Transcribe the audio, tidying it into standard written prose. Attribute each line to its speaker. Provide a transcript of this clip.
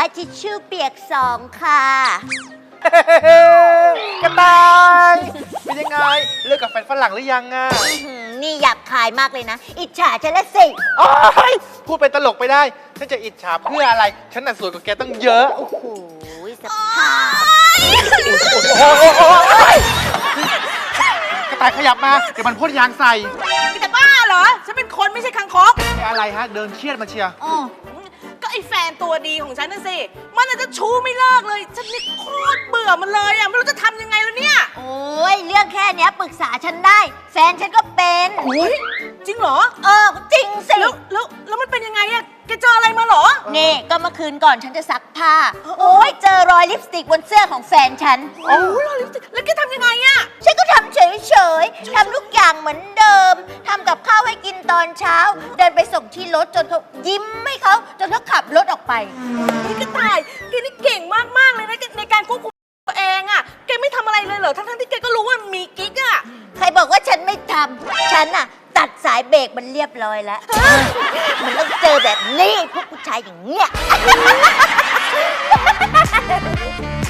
Speaker 1: าทิชชู่เปียก2 ค่ะ
Speaker 2: กระต่ายเป็นยังไงเลิกกับแฟนฝรั่งหรือยังอ่ะ
Speaker 1: นี่หยาบคายมากเลยนะ อิจฉาฉันละสิ
Speaker 2: โอ๊ยพูดเป็นตลกไปได้ ฉันจะอิจฉาเพื่ออะไร ฉันน่ะสวยกว่าแกตั้งเยอะ
Speaker 1: โอ้โหสภาพ
Speaker 2: กระต่ายขยับมาเดี๋ยวมันพ่นยางใส่
Speaker 3: จะบ้าเหรอ ฉันเป็นคนไม่ใช่คังคก
Speaker 2: อะไรฮะเดินเชียดมาเชียร์
Speaker 3: ก็ไอ้แฟนตัวดีของฉันน่ะสิ มันน่ะจะชู้ไม่เลิกเลย ฉันนี่โคตรเบื่อมันเลยอ่ะ ไม่รู้จะทำยังไงแล้วเนี่ย
Speaker 1: โอ้ยเรื่องแค่เนี้ยปรึกษาฉันได้ แฟนฉันก็เป็น
Speaker 3: จริงเหรอ
Speaker 1: จริงสิ
Speaker 3: แล้วมันเป็นยังไงอะแกเจออะไรมาเหรอ
Speaker 1: นี่ก็เมื่อคืนก่อนฉันจะซักผ้า โอ้ยเจอรอยลิปสติกบนเสื้อของแฟนฉัน
Speaker 3: โอ้ยลิปสติกแล้วแกทำยังไงอะ
Speaker 1: ฉันก็ทำเฉยๆ ทำทุกอย่างเหมือนเดิม ทำกับข้าวให้กินตอนเช้า เดินไปส่งที่รถจนเขายิ้มให้เขาจนเขาขับรถออกไป
Speaker 3: นี่กระต่ายแกนี่เก่งมากๆเลยนะในการควบคุมตัวเองอะแกไม่ทำอะไรเลยเหรอ ทั้งๆที่แกก็รู้ว่ามีกิ๊กอะ
Speaker 1: ใครบอกว่าฉันไม่ทำ ฉันน่ะ ตัดสายเบรกมันเรียบร้อยแล้ว มันต้องเจอแบบนี้พวกผู้ชายอย่างเงี้ย